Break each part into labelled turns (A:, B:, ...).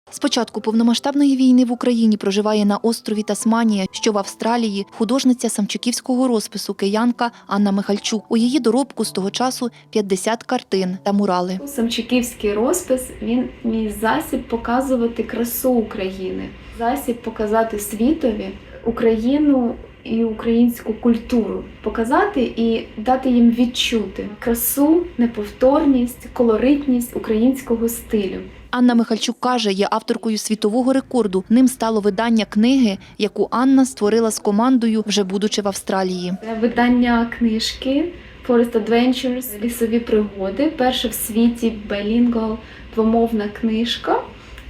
A: З початку повномасштабної війни в Україні проживає на острові Тасманія, що в Австралії, художниця самчиківського розпису киянка Анна Михальчук. У її доробку з того часу 50 картин та мурали.
B: Самчиківський розпис – він мій засіб показувати красу України, засіб показати світові Україну і українську культуру, показати і дати їм відчути красу, неповторність, колоритність українського стилю.
A: Анна Михальчук каже, є авторкою світового рекорду. Ним стало видання книги, яку Анна створила з командою, вже будучи в Австралії.
B: Це видання книжки Forest Adventures, лісові пригоди. Перша в світі bilingual, двомовна книжка,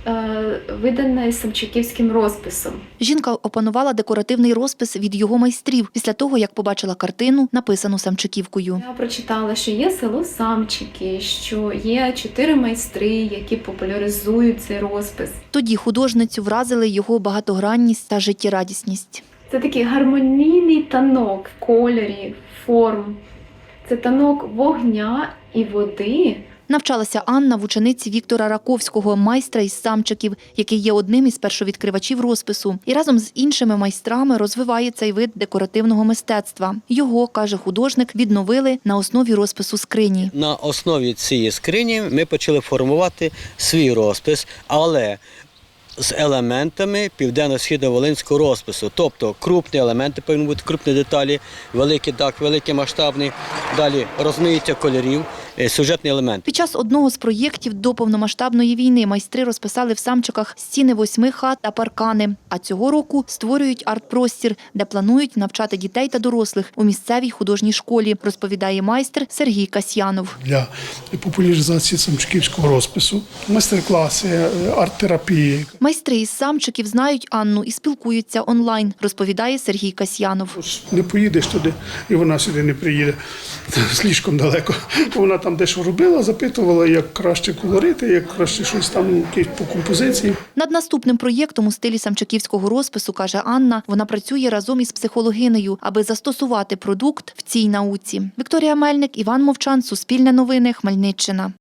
B: видана із самчиківським розписом.
A: Жінка опанувала декоративний розпис від його майстрів після того, як побачила картину, написану самчиківкою.
B: Я прочитала, що є село Самчики, що є 4 майстри, які популяризують цей розпис.
A: Тоді художницю вразили його багатогранність та життєрадісність.
B: Це такий гармонійний танок в кольорі, форм. Це танок вогня і води.
A: Навчалася Анна в учениці Віктора Раковського, майстра із Самчиків, який є одним із першовідкривачів розпису. І разом з іншими майстрами розвиває цей вид декоративного мистецтва. Його, каже художник, відновили на основі розпису скрині.
C: На основі цієї скрині ми почали формувати свій розпис, але з елементами південно-східно-волинського розпису. Тобто крупні елементи, повинні бути крупні деталі, великий дах, великий масштабний, далі розмаїття кольорів, сюжетний елемент.
A: Під час одного з проєктів до повномасштабної війни майстри розписали в Самчиках стіни 8 хат та паркани. А цього року створюють арт-простір, де планують навчати дітей та дорослих у місцевій художній школі, розповідає майстер Сергій Касьянов.
D: Для популяризації самчиківського розпису, майстер-класи, арт-терапії.
A: Майстри із Самчиків знають Анну і спілкуються онлайн, розповідає Сергій Касьянов.
D: Не поїдеш туди, і вона сюди не приїде. Слишком далеко. Вона там дещо робила, запитувала, як краще колорити, як краще щось там по композиції.
A: Над наступним проєктом у стилі самчиківського розпису, каже Анна, вона працює разом із психологинею, аби застосувати продукт в цій науці. Вікторія Мельник, Іван Мовчан, Суспільне новини, Хмельниччина.